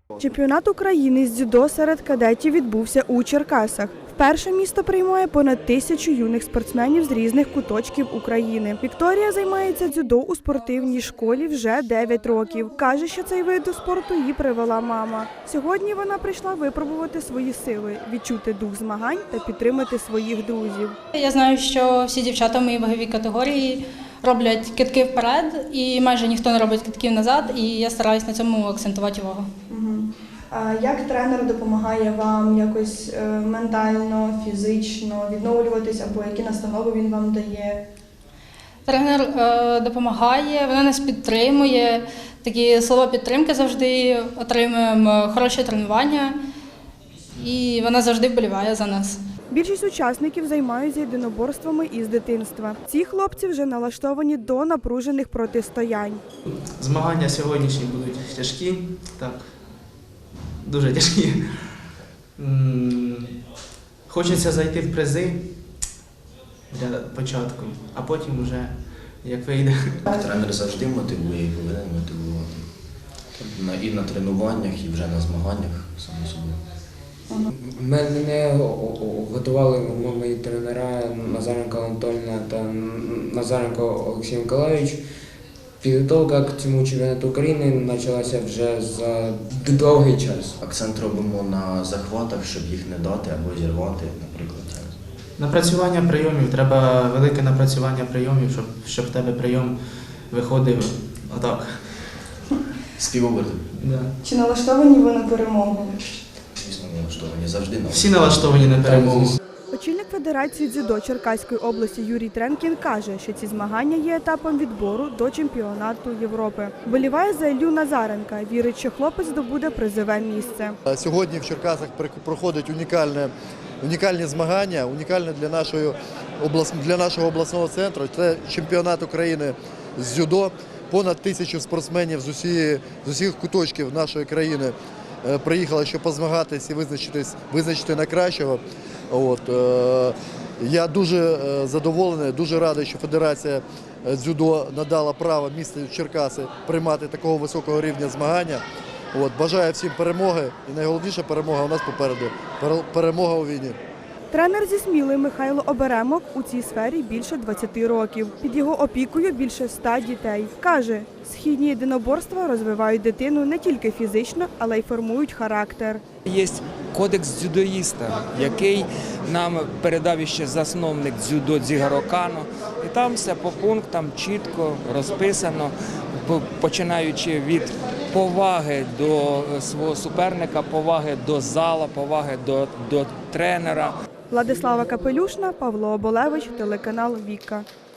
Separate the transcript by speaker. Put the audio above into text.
Speaker 1: Чемпіонат України з дзюдо серед кадетів відбувся у Черкасах. Вперше місто приймає понад 1000 юних спортсменів з різних куточків України. Вікторія займається дзюдо у спортивній школі вже 9 років. Каже, що цей вид спорту її привела мама. Сьогодні вона прийшла випробувати свої сили, відчути дух змагань та підтримати своїх друзів.
Speaker 2: Я знаю, що всі дівчата в моїй ваговій категорії роблять кидки вперед і майже ніхто не робить кидків назад, і я стараюсь на цьому акцентувати увагу.
Speaker 1: А як тренер допомагає вам якось ментально, фізично відновлюватись, або які настанови він вам дає?
Speaker 2: Тренер допомагає, вона нас підтримує, такі слова підтримки завжди отримуємо, хороше тренування, і вона завжди вболіває за нас.
Speaker 1: Більшість учасників займаються єдиноборствами із дитинства. Ці хлопці вже налаштовані до напружених протистоянь.
Speaker 3: Змагання сьогоднішні будуть тяжкі, так, дуже тяжкі. Хочеться зайти в призи для початку, а потім вже як вийде.
Speaker 4: Тренер завжди мотивує і повинен мотивувати. І на тренуваннях, і вже на змаганнях, само собою.
Speaker 5: Мене готували мої тренера Назаренко Анатольевна та Назаренко Олексій Миколайович. Підготовка к цьому чемпіонату України почалася вже за довгий час.
Speaker 4: Акцент робимо на захватах, щоб їх не дати або зірвати, наприклад.
Speaker 3: Напрацювання прийомів, треба велике напрацювання прийомів, щоб в тебе прийом виходив отак.
Speaker 4: Співоберти.
Speaker 3: Да.
Speaker 1: Чи налаштовані ви на перемогу?
Speaker 4: Звісно, налаштовані завжди на
Speaker 3: Всі налаштовані на перемогу.
Speaker 1: Очільник Федерації дзюдо Черкаської області Юрій Тренкін каже, що ці змагання є етапом відбору до чемпіонату Європи. Вболіває за Іллю Назаренка, вірить, що хлопець здобуде призове місце.
Speaker 6: Сьогодні в Черкасах проходять унікальні змагання, унікальні для нашого обласного центру. Це чемпіонат України з дзюдо. Понад 1000 спортсменів з усіх куточків нашої країни приїхали, щоб позмагатись і визначити найкращого. Я дуже задоволений, дуже радий, що Федерація дзюдо надала право місту Черкаси приймати такого високого рівня змагання. Бажаю всім перемоги, і найголовніша перемога у нас попереду – перемога у війні.
Speaker 1: Тренер зі Сміли Михайло Оберемок у цій сфері більше 20 років. Під його опікою більше 100 дітей. Каже, східні єдиноборства розвивають дитину не тільки фізично, але й формують характер.
Speaker 7: Є кодекс дзюдоїста, який нам передав ще засновник дзюдо Дзігаро Кано. І там все по пунктам чітко розписано, починаючи від поваги до свого суперника, поваги до зала, поваги до тренера.
Speaker 1: Владислава Капелюшна, Павло Оболевич, телеканал «Віка».